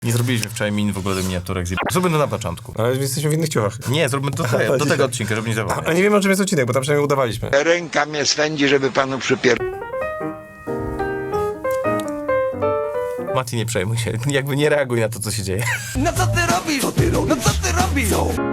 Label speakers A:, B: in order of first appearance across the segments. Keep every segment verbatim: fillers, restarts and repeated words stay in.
A: Nie zrobiliśmy wczoraj min w ogóle do miniaturek. Zróbmy to na początku.
B: Ale jesteśmy w innych ciuchach.
A: Nie, zróbmy to do, do tego odcinka, żeby nie zapomnieć.
B: A nie wiemy, o czym jest odcinek, bo tam przynajmniej udawaliśmy.
C: Ręka mnie swędzi, żeby panu przypier...
A: Mati, nie przejmuj się. Jakby nie reaguj na to, co się dzieje.
D: No co ty robisz? Co ty robisz? No co ty robisz?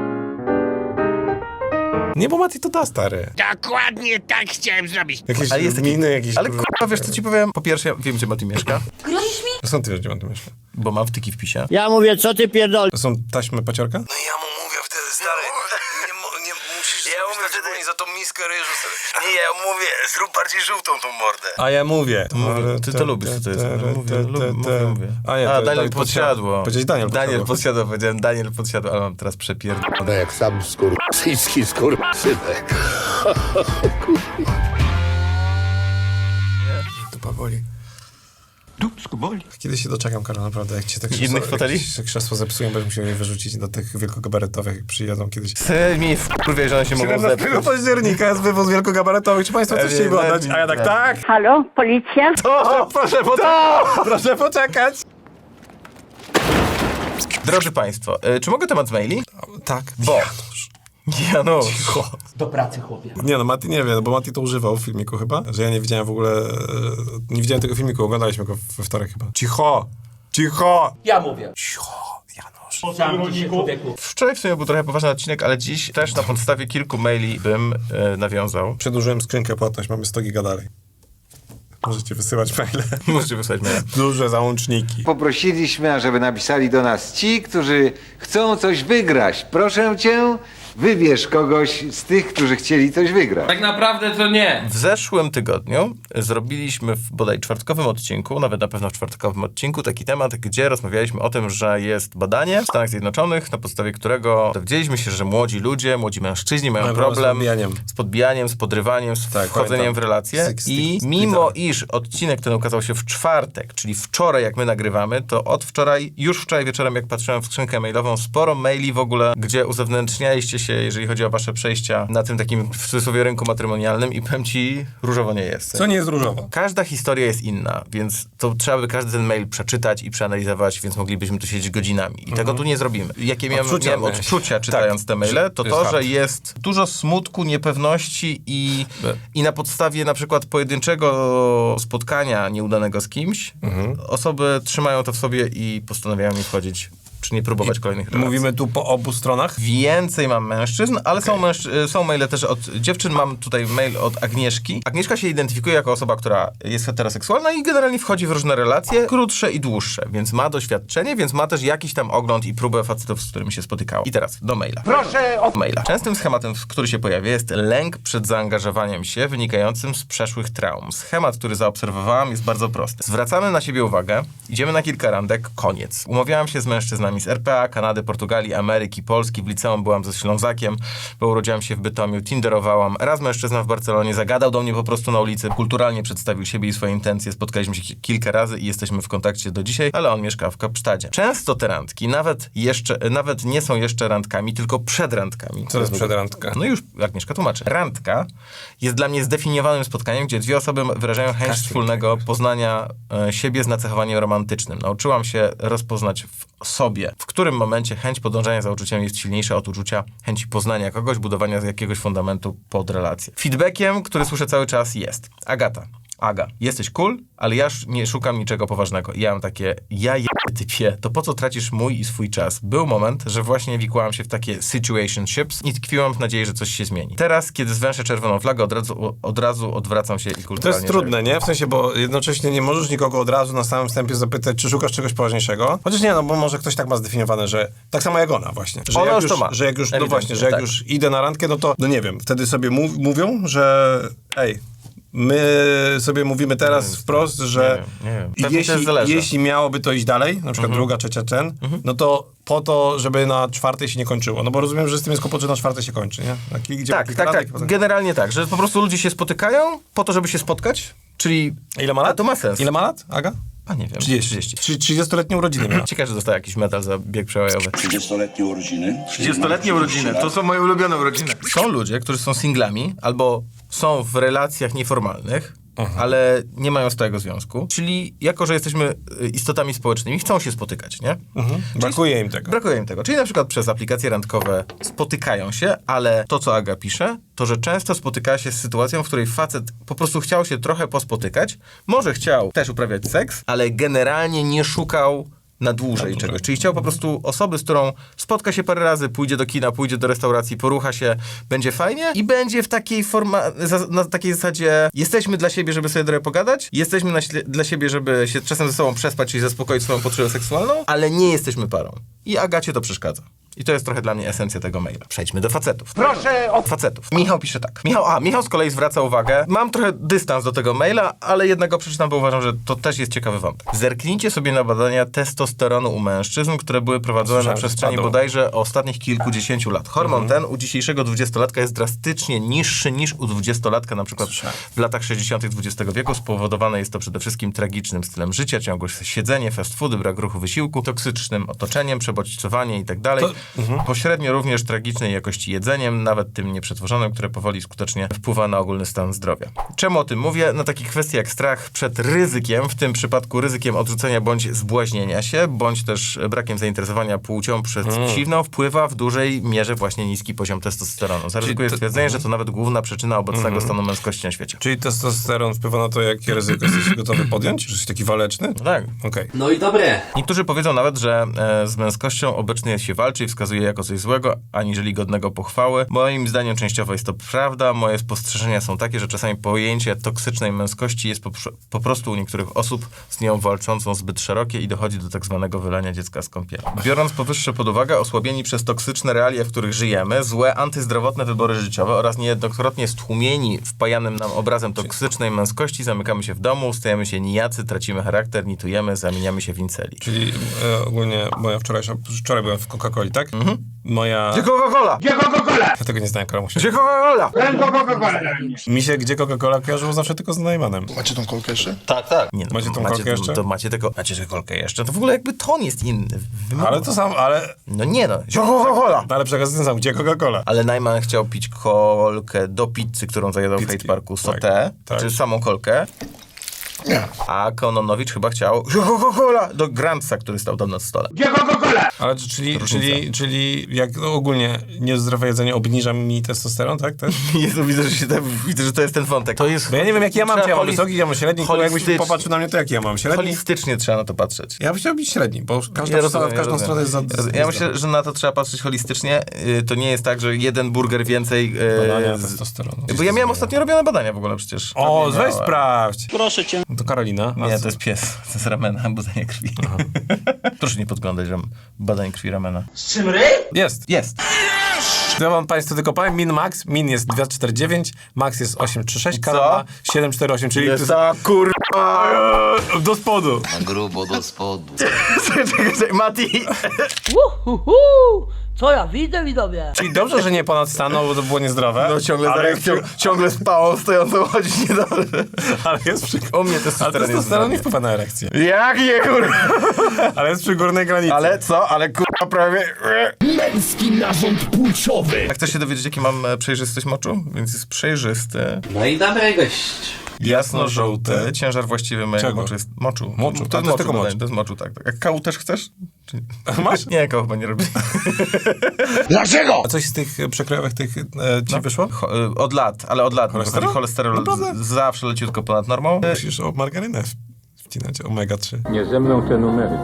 B: Nie, bo Mati to da, stary.
C: Dokładnie tak chciałem zrobić.
B: Jakieś
A: Ale jest taki...
B: miny, jakieś...
A: Ale kurwa, wiesz co ci powiem? Po pierwsze, ja wiem, gdzie Mati mieszka,
E: Grozisz mi?
B: Skąd ty wiesz, gdzie mam to mieszka?
A: bo mam wtyki w pisie.
F: Ja mówię, co ty pierdol...
B: To są taśmy paciorka?
G: No i ja mu mówię wtedy, stary, nie, mo- nie musisz ja mówię wtedy za tą miskę ryżu sobie. Nie, ja mówię, zrób bardziej żółtą tą mordę.
B: A ja mówię.
A: Mówię, ty to lubisz, co to jest. No, mówię, lubię, mówię, mówię.
B: A, nie, to
A: A
B: jest
A: Daniel
B: Daniel
A: Podsiadło.
B: Powiedziałeś Daniel
A: Daniel
B: Podsiadło.
A: Podsiadło, powiedziałem Daniel Podsiadło, ale mam teraz przepierdolone.
C: No jak sam skurczyński skurczynek.
B: Dupa boli.
D: Dupsko boli.
B: Kiedyś się doczekam, Karol, naprawdę. Jak ci tak
A: Innych foteli?
B: Jak krzesło zepsują, będę musiał je wyrzucić do tych wielkogabaretowych, jak przyjadą kiedyś.
A: Ty mnie wkurwie, że one się mogą zepsuć.
B: siedemnastego października jest wywóz wielkogabaretowych. Czy państwo coś chcieli oddać? A ja tak, tak!
F: Halo, policja?
B: To, proszę poczekać! Proszę poczekać!
A: Drodzy Państwo, y, czy mogę temat maili?
B: Tak.
A: Bo... Janusz.
D: Do pracy, chłopie.
B: Nie no, Mati nie wie, bo Mati to używał w filmiku chyba, że ja nie widziałem w ogóle, e, nie widziałem tego filmiku, oglądaliśmy go we wtorek chyba. Cicho! Cicho!
D: Ja mówię.
B: Cicho, Janusz.
D: Zamknij się, człowieku.
A: Wczoraj w sumie był trochę poważny odcinek, ale dziś też na podstawie kilku maili bym y, nawiązał.
B: Przedłużyłem skrzynkę płatność, mamy sto giga dalej. Możecie wysyłać maile.
A: Możecie wysłać maila.
B: Duże załączniki.
C: Poprosiliśmy, żeby napisali do nas ci, którzy chcą coś wygrać. Proszę cię, wybierz kogoś z tych, którzy chcieli coś wygrać.
H: Tak naprawdę to nie.
A: W zeszłym tygodniu zrobiliśmy w bodaj czwartkowym odcinku, nawet na pewno w czwartkowym odcinku, taki temat, gdzie rozmawialiśmy o tym, że jest badanie w Stanach Zjednoczonych, na podstawie którego dowiedzieliśmy się, że młodzi ludzie, młodzi mężczyźni mają
B: Mają problem z
A: problem
B: podbijaniem.
A: z podbijaniem, z podrywaniem, z
B: Tak,
A: wchodzeniem
B: pamiętam.
A: w relacje.
B: Z- z-
A: I
B: z-
A: mimo,
B: z-
A: iż odcinek ten ukazał się w czwartek, czyli wczoraj, jak my nagrywamy, to od wczoraj, już wczoraj wieczorem, jak patrzyłem w skrzynkę mailową, sporo maili w ogóle, gdzie uzewnętrznialiście się, jeżeli chodzi o wasze przejścia na tym takim, w cudzysłowie, rynku matrymonialnym i powiem ci, różowo nie jest.
B: Co nie jest różowo?
A: Każda historia jest inna, więc to trzeba by każdy ten mail przeczytać i przeanalizować, więc moglibyśmy tu siedzieć godzinami. I tego tu nie zrobimy. Jakie miałem,
B: Odczucia
A: miałem
B: miałeś.
A: odczucia czytając
B: Tak,
A: te maile, to
B: jest
A: to,
B: hard.
A: że jest dużo smutku, niepewności i, i na podstawie na przykład pojedynczego spotkania nieudanego z kimś, osoby trzymają to w sobie i postanawiają nie wchodzić, czy nie próbować kolejnych relacji.
B: Mówimy tu po obu stronach?
A: Więcej mam mężczyzn, ale są, mężczy- są maile też od dziewczyn. Mam tutaj mail od Agnieszki. Agnieszka się identyfikuje jako osoba, która jest heteroseksualna i generalnie wchodzi w różne relacje, krótsze i dłuższe, więc ma doświadczenie, więc ma też jakiś tam ogląd i próbę facetów, z którymi się spotykała. I teraz do maila. Proszę o maila. Częstym schematem, który się pojawia, jest lęk przed zaangażowaniem się wynikającym z przeszłych traum. Schemat, który zaobserwowałam, jest bardzo prosty. Zwracamy na siebie uwagę, idziemy na kilka randek, koniec. Umawiałam się z mężczyznami z R P A, Kanady, Portugalii, Ameryki, Polski. W liceum byłam ze Ślązakiem, bo urodziłam się w Bytomiu, tinderowałam. Raz mężczyzna w Barcelonie zagadał do mnie po prostu na ulicy, kulturalnie przedstawił siebie i swoje intencje. Spotkaliśmy się ki- kilka razy i jesteśmy w kontakcie do dzisiaj, ale on mieszka w Kapsztadzie. Często te randki nawet jeszcze, nawet nie są jeszcze randkami, tylko przed randkami.
B: Co to jest przedrandka?
A: No już Agnieszka tłumaczy. Randka jest dla mnie zdefiniowanym spotkaniem, gdzie dwie osoby wyrażają chęć wspólnego poznania e, siebie z nacechowaniem romantycznym. Nauczyłam się rozpoznać w sobie, w którym momencie chęć podążania za uczuciem jest silniejsza od uczucia chęci poznania kogoś, budowania jakiegoś fundamentu pod relację. Feedbackiem, który słyszę cały czas, jest: Agata, Aga, jesteś cool, ale ja sz- nie szukam niczego poważnego. I ja mam takie: ja je typie, to po co tracisz mój i swój czas? Był moment, że właśnie wikłałam się w takie situationships i tkwiłam w nadziei, że coś się zmieni. Teraz, kiedy zwęszę czerwoną flagę, od razu, od razu odwracam się i kulturalnie...
B: To jest trudne, nie? W sensie, bo jednocześnie nie możesz nikogo od razu na samym wstępie zapytać, czy szukasz czegoś poważniejszego. Chociaż nie, no bo może ktoś tak ma zdefiniowane, że tak samo jak ona właśnie. Że
A: Ona
B: jak
A: już to ma.
B: Że jak już, no
A: Ewidentnie,
B: właśnie, że jak
A: tak.
B: już idę na randkę, no to, no nie wiem, wtedy sobie mów, mówią, że ej, my sobie mówimy teraz
A: Nie wiem,
B: wprost, że
A: nie wiem, nie wiem. Pewnie też
B: jeśli,
A: zależy.
B: jeśli miałoby to iść dalej, na przykład
A: Mhm.
B: druga, trzecia ten, no to po to, żeby na czwartej się nie kończyło. No bo rozumiem, że z tym jest kłopot, że na czwartej się kończy, nie? Na kilk, gdzie
A: Tak,
B: kilka
A: tak,
B: randek,
A: tak.
B: potem-
A: Generalnie tak, że po prostu ludzie się spotykają po to, żeby się spotkać, czyli...
B: Ile ma lat?
A: A to ma sens.
B: Ile ma lat, Aga?
A: A nie wiem.
B: trzydzieści. Czy trzydziestoletnie urodziny miała.
A: Ciekawe, że dostała jakiś medal za bieg przełajowy.
I: trzydziestoletnie urodziny.
A: trzydziestoletnie urodziny, to są moje ulubione urodziny. Są ludzie, którzy są singlami albo są w relacjach nieformalnych ale nie mają stałego związku. Czyli jako, że jesteśmy y, istotami społecznymi, chcą się spotykać, nie?
B: Mhm. Brakuje im tego.
A: Brakuje im tego. Czyli na przykład przez aplikacje randkowe spotykają się, ale to, co Aga pisze, to, że często spotykała się z sytuacją, w której facet po prostu chciał się trochę pospotykać, może chciał też uprawiać seks, ale generalnie nie szukał na dłużej czegoś. Czyli chciał po prostu osoby, z którą spotka się parę razy, pójdzie do kina, pójdzie do restauracji, porucha się, będzie fajnie i będzie w takiej forma, za, na takiej zasadzie jesteśmy dla siebie, żeby sobie trochę pogadać, jesteśmy na, śle- dla siebie, żeby się czasem ze sobą przespać i zaspokoić swoją potrzebę seksualną, ale nie jesteśmy parą. I Agacie to przeszkadza. I to jest trochę dla mnie esencja tego maila. Przejdźmy do facetów. Proszę o facetów. Michał pisze tak. Michał, a, Michał z kolei zwraca uwagę. Mam trochę dystans do tego maila, ale jednak go przeczytam, bo uważam, że to też jest ciekawy wątek. Zerknijcie sobie na badania testosteronu u mężczyzn, które były prowadzone
B: Słyszałem,
A: na
B: że
A: przestrzeni
B: spadł.
A: bodajże ostatnich kilkudziesięciu lat. Hormon ten u dzisiejszego dwudziestolatka jest drastycznie niższy niż u dwudziestolatka na przykład w latach sześćdziesiątych dwudziestego wieku. Spowodowane jest to przede wszystkim tragicznym stylem życia, ciągłe siedzenie, fast foody, brak ruchu, wysiłku, toksycznym otoczeniem, przebodźcowanie i tak dalej. Pośrednio również tragicznej jakości jedzeniem, nawet tym nieprzetworzonym, które powoli skutecznie wpływa na ogólny stan zdrowia. Czemu o tym mówię? Na takie kwestie jak strach przed ryzykiem, w tym przypadku ryzykiem odrzucenia bądź zbłaźnienia się, bądź też brakiem zainteresowania płcią przeciwną, wpływa w dużej mierze właśnie niski poziom testosteronu. Zaryzykuję
B: to-
A: stwierdzenie, że to nawet główna przyczyna obecnego stanu męskości na świecie.
B: Czyli testosteron wpływa na to, jakie ryzyko jesteś gotowy podjąć? Że jesteś taki waleczny?
A: Tak.
B: Okej.
D: No i dobre.
A: Niektórzy powiedzą nawet, że e, z męskością obecnie się walczy i wskazuje jako coś złego, aniżeli godnego pochwały. Moim zdaniem częściowo jest to prawda. Moje spostrzeżenia są takie, że czasami pojęcie toksycznej męskości jest po, po prostu u niektórych osób z nią walczącą zbyt szerokie i dochodzi do tak zwanego wylania dziecka z kąpieli. Biorąc powyższe pod uwagę, osłabieni przez toksyczne realia, w których żyjemy, złe, antyzdrowotne wybory życiowe oraz niejednokrotnie stłumieni wpajanym nam obrazem toksycznej męskości, zamykamy się w domu, stajemy się nijacy, tracimy charakter, nitujemy, zamieniamy się w inceli.
B: Czyli e, ogólnie moja wczorajsza... Wczoraj byłem w Coca-Coli, tak? Mhm. Moja...
A: Gdzie Coca-Cola?
B: Ja tego nie znałem, Karamusia.
A: Gdzie Coca-Cola?
B: Mi się gdzie Coca-Cola kojarzyło zawsze tylko z Najmanem.
E: Macie tą kolkę jeszcze?
A: Tak, tak. Nie, no,
B: Macie tą kolkę jeszcze?
A: To macie tylko, macie tę kolkę jeszcze. To w ogóle jakby ton jest inny. Wymowa.
B: Ale to sam, ale...
A: No nie no. Gdzie Coca-Cola?
B: No ale przekaz ten sam, gdzie Coca-Cola?
A: Ale Najman chciał pić kolkę do pizzy, którą zajadał w
B: Pizzki.
A: Hate Parku,
B: Tak,
A: sotę,
B: tak.
A: czy samą kolkę.
E: Nie.
A: A Kononowicz chyba chciał Gdzie Coca-Cola do Grantsa, który stał tam na stole.
B: Ale czy- czyli, czyli, czyli jak no, ogólnie niezdrowe jedzenie obniża mi testosteron, tak? Też?
A: Jezu, widzę, że, się tam, widzę, że to jest ten wątek. To jest...
B: Bo ja nie wiem, jaki ja mam,
A: Trzeba
B: czy ja mam
A: holi-
B: wysoki, ja mam średni, kurwa, jakbyś
A: holistycznie.
B: popatrzył na mnie, to jaki ja mam? Średni?
A: Holistycznie trzeba na to patrzeć.
B: Ja bym chciał być średni, bo każda
A: Ja
B: strona,
A: rozumiem,
B: w każdą
A: ja
B: stronę jest za...
A: rozumiem. Ja myślę, że na to trzeba patrzeć holistycznie. Yy, To nie jest tak, że jeden burger więcej... yy,
B: Badania
A: z-
B: testosteronu.
A: Bo ja miałem ostatnio robione badania w ogóle przecież.
B: O,
A: Pewnie
B: weź
A: miałem.
B: sprawdź!
F: Proszę cię.
B: No to Karolina. a
A: Nie,
B: co-
A: to jest pies. To jest ramena, badanie krwi. Proszę nie podglądać ram- badań krwi ramena.
B: Jest.
A: Jest.
B: Ja wam państwu tylko powiem, min max, min jest dwa cztery dziewięć, max jest osiem trzy sześć, Karol
A: Co?
B: ma siedem cztery osiem, czyli
A: Jest
B: to
A: ta kurwa.
B: jest do spodu.
G: Grubo do spodu.
A: Czekaj, czekaj, czekaj, Mati.
F: Uhuhu. Co ja widzę, widzowie?
B: Czyli dobrze, że nie ponad staną, bo to było niezdrowe.
A: No ciągle,
B: ale,
A: ale ciągle, ciągle z pałą stojącą chodzić niedobrze.
B: ale jest przy...
A: U mnie
B: Ale
A: testosteron jest
B: testosteron nie
A: zdrowy.
B: wpływa na erekcję.
A: Jak nie, kurwa?
B: Ale jest przy górnej granicy.
A: Ale co? Ale kurwa prawie...
H: Męski narząd płciowy.
A: Jak chcesz się dowiedzieć, jaki mam e, przejrzystość moczu? Więc jest przejrzysty,
D: No i dobre gość.
A: jasno-żółty, ciężar właściwy mojego
B: Czego?
A: moczu jest moczu.
B: Moczu.
A: To
B: A
A: jest
B: to jest
A: moczu,
B: tylko
A: dodaj,
B: mocz.
A: to jest moczu, tak. tak. A kału też chcesz? Czy...
B: Masz?
A: Nie, kału chyba nie robi.
E: Dlaczego?
B: A coś z tych e, przekrojowych tych e, ci
A: No.
B: wyszło?
A: Cho- y, od lat, ale od lat.
B: Cholesterol?
A: Cholesterol
B: Naprawdę?
A: z- zawsze leciutko ponad normą. Y,
B: Musisz o margarynę w- wcinać, omega trzy.
H: Nie ze mną te numery.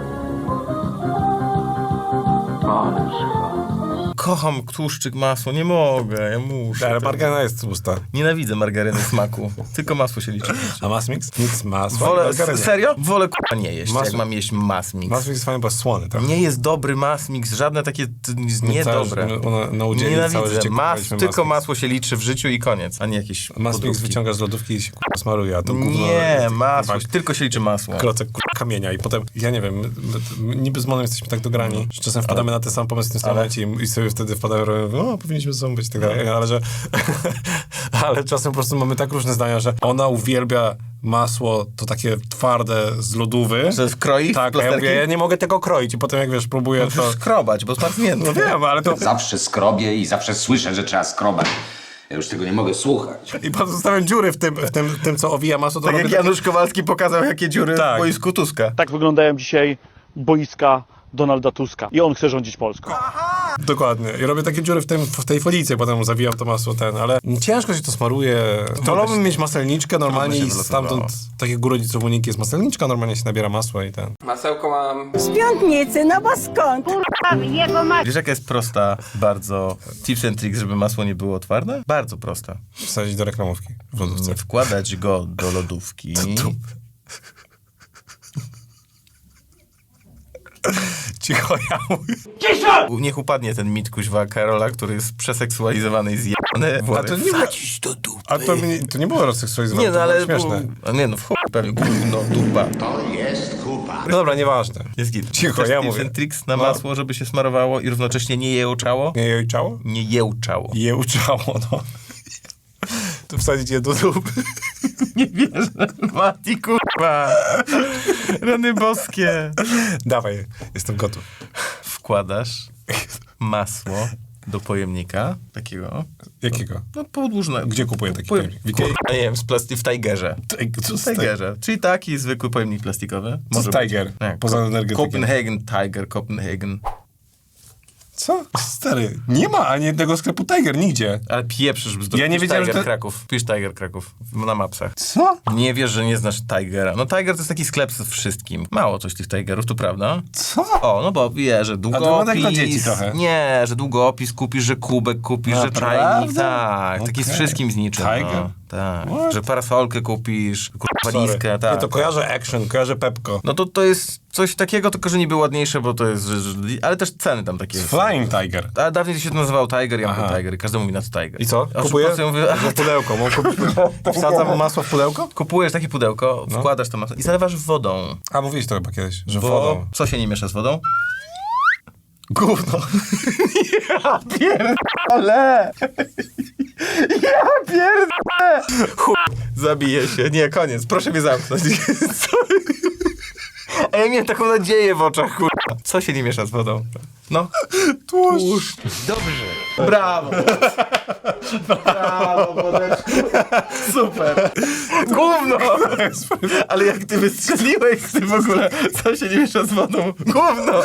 A: Kocham tłuszczyk, masło, nie mogę, ja muszę.
B: Ale margaryna jest tłusta.
A: Nienawidzę margaryny smaku. Tylko masło się liczy.
B: A mass mix? Nic masła.
A: Wolę,
B: margaryny.
A: serio? Wolę k***a nie jeść,
B: Masło.
A: jak mam jeść mass mix.
B: Mass mix jest fajny, bo jest słony, tak?
A: Nie jest dobry mass mix, żadne takie t- niedobre.
B: Całe, ona na udzieli całe
A: Nienawidzę.
B: życie
A: Mas,
B: kupowaliśmy
A: tylko
B: mass mix.
A: masło się liczy w życiu i koniec, a nie jakieś
B: Mass mix
A: podróbki.
B: wyciąga z lodówki i się kurwa smaruje, a to gówno...
A: Nie, masło,
B: kurwa,
A: tylko się liczy masło.
B: Klocek kurwa kamienia i potem, ja nie wiem, my, my, niby z Monem jesteśmy tak dograni, że czasem wpadamy na ten sam pomysł w tym samym momencie i, i sobie wtedy wpadamy, o, powinniśmy ze sobą być i tak dalej, ale że... ale czasem po prostu mamy tak różne zdania, że ona uwielbia masło, to takie twarde z lodówy.
A: Że w kroi, w
B: Tak, a ja
A: plasterki?
B: mówię, ja nie mogę tego kroić i potem jak wiesz, próbuję to...
A: Skrobać, bo smacznięte.
B: No wiem, ale to...
I: Zawsze skrobię i zawsze słyszę, że trzeba skrobać. Ja już tego nie mogę słuchać.
B: I pozostawiam dziury w tym, w tym, w tym co owija masło. To
A: Tak
B: robię
A: jak Janusz Kowalski pokazał, jakie dziury
B: Tak.
A: w boisku Tuska.
J: Tak wyglądają dzisiaj boiska Donalda Tuska. I on chce rządzić Polską.
B: Dokładnie. I robię takie dziury w, tym, w tej folicy, potem zawijam to masło ten, ale ciężko się to smaruje. Wolałbym mieć maselniczkę normalnie
A: się
B: i
A: wylosowało.
B: stamtąd, tak jak u rodziców Moniki jest maselniczka, normalnie się nabiera masła i ten.
I: Masełko mam.
K: Z piątnicy, no bo skąd?
A: Wiesz, jaka jest prosta, bardzo tips and tricks, żeby masło nie było twarde? Bardzo prosta.
B: Wsadzić do reklamówki w lodówce.
A: Wkładać go do lodówki.
B: Cicho, ja mówię.
A: U- Niech upadnie ten mit kuźwa Karola, który jest przeseksualizowany i zjebany.
B: A to nie,
A: Wsadzić do dupy.
B: a to, mnie, to nie było rozseksualizowane,
A: Nie, no
B: to
A: ale...
B: było śmieszne.
A: A nie, no w chuj pewnie, gówno, dupa.
B: No dobra, nieważne.
A: Jest git.
B: Cicho,
A: Też
B: ja
A: tips
B: mówię.
A: and tricks na
B: No.
A: masło, żeby się smarowało i równocześnie nie jełczało?
B: Nie jejczało?
A: Nie jełczało.
B: Jełczało, no. To wsadzić je do dupy.
A: Nie wierzę. Mati, kurwa. Rany boskie.
B: Dawaj, jestem gotów.
A: Wkładasz masło do pojemnika takiego.
B: Jakiego?
A: No podłużnego.
B: Gdzie kupuję taki
A: Pojem-
B: pojemnik? W
A: Kurwa,
B: Ikei?
A: nie wiem, z plasty- w Tigerze.
B: Co
A: W Tigerze. Czyli taki zwykły pojemnik plastikowy.
B: Co
A: Może
B: z
A: być.
B: Tiger?
A: Nie,
B: Poza
A: Ko-
B: energetyką.
A: Copenhagen Tiger, Copenhagen.
B: Co? Stary, nie ma ani jednego sklepu Tiger, nigdzie.
A: Ale pieprzysz bzdur.
B: Ja nie
A: Pisz
B: wiedziałem,
A: Tiger
B: że to-
A: Kraków. Pisz Tiger Kraków na mapsach.
B: Co?
A: Nie wiesz, że nie znasz Tigera. No Tiger to jest taki sklep z wszystkim. Mało coś tych Tigerów, to prawda?
B: Co?
A: O, no bo wie, że
B: wygląda jak dla dzieci
A: długopis...
B: trochę.
A: Nie, że długopis kupisz, że kubek kupisz, że
B: Naprawdę?
A: czajnik. Tak, taki z
B: Okej.
A: wszystkim z niczym.
B: Tiger?
A: No, tak.
B: What?
A: Że parasolkę kupisz, kurwa walizkę,
B: Sorry.
A: tak.
B: Nie, to kojarzę Action, kojarzę Pepko.
A: No to to jest coś takiego, tylko że niby ładniejsze, bo to jest... Że, że, ale też ceny tam takie...
B: Flying Tiger.
A: A dawniej się to nazywał Tiger, ja mówię
B: Aha.
A: Tiger i każdy mówi na to Tiger.
B: I co?
A: A
B: Kupuję?
A: szybko sobie mówię,
B: Że pudełko. Mam kupić... Wsadzam masło w pudełko?
A: kupujesz takie pudełko,
B: No.
A: wkładasz to masło i zalewasz wodą.
B: A, mówiłeś to chyba kiedyś, że
A: Bo
B: wodą.
A: co się nie miesza z wodą? Gówno. Ja pierdolę. Ja pierdolę. Chuj, zabiję się. Nie, koniec. Proszę mnie zamknąć. Sorry. A ja miałem taką nadzieję w oczach, kurwa. Co się nie miesza z wodą? No.
B: Tłuszcz.
A: Dobrze. Brawo. Brawo, Bodeczku. Super. Gówno. Ale jak ty wystrzeliłeś z tym w ogóle, co się nie miesza z wodą? Gówno.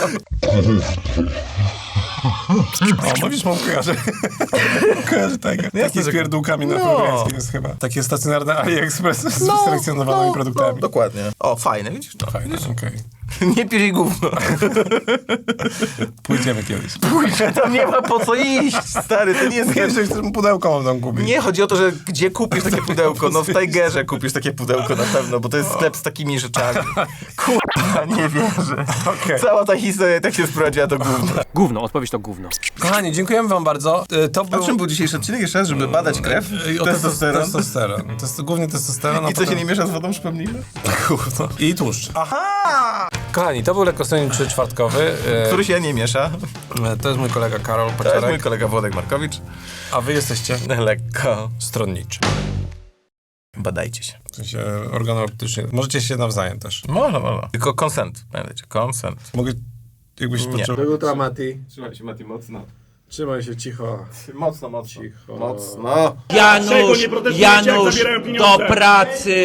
B: O, mówisz, mam kojarzę. kojarzę Tiger.
A: No jasne,
B: Taki z
A: że-
B: pierdółkami na
A: No.
B: progresji jest chyba. Takie stacjonarne AliExpress z selekcjonowanymi produktami.
A: No, dokładnie. O, fajne, widzisz? No.
B: Fajnie, okej.
A: Nie pij jej gówno.
B: Pójdziemy kiedyś.
A: Pójdę, tam nie ma po co iść, stary, to nie jest...
B: Jeszcze chcę pudełko mam tam kupić.
A: Nie, chodzi o to, że gdzie kupisz takie pudełko? No w Tigerze kupisz takie pudełko na pewno, bo to jest sklep z takimi rzeczami. Kurwa, nie wierzę.
B: Okej.
A: Cała ta historia tak się sprowadziła do gówna.
J: Gówno, odpowiedź to gówno.
B: Kochani, dziękujemy wam bardzo. Y, To
A: A
B: był...
A: czym był dzisiejszy odcinek? Jeszcze raz, żeby badać krew?
B: Y, o
A: Testosteron?
B: Testosteron. Test, głównie testosteron. a
A: I co się
B: potem-
A: nie miesza z wodą, przypomnijmy?
B: Gówno. I tłuszcz. Aha! Kochani, to był Lekkostronniczy czwartkowy. Y,
A: Który się nie miesza.
B: To jest mój kolega Karol
A: To jest mój
B: Paciorek.
A: kolega Włodek Markowicz.
B: A wy jesteście
A: Lekko.
B: stronniczy.
A: Badajcie się.
B: W sensie organoleptycznie. Możecie się nawzajem też.
A: Można, można. Tylko consent, pamiętajcie, consent.
B: Mogę... Jakbyś
A: Nie.
B: potrzebował...
E: Jutra, Mati.
A: Trzymaj się, Mati, mocno.
E: Trzymaj się cicho.
A: Mocno, mocno.
E: Cicho.
A: Mocno.
F: Janusz, Janusz, do pracy!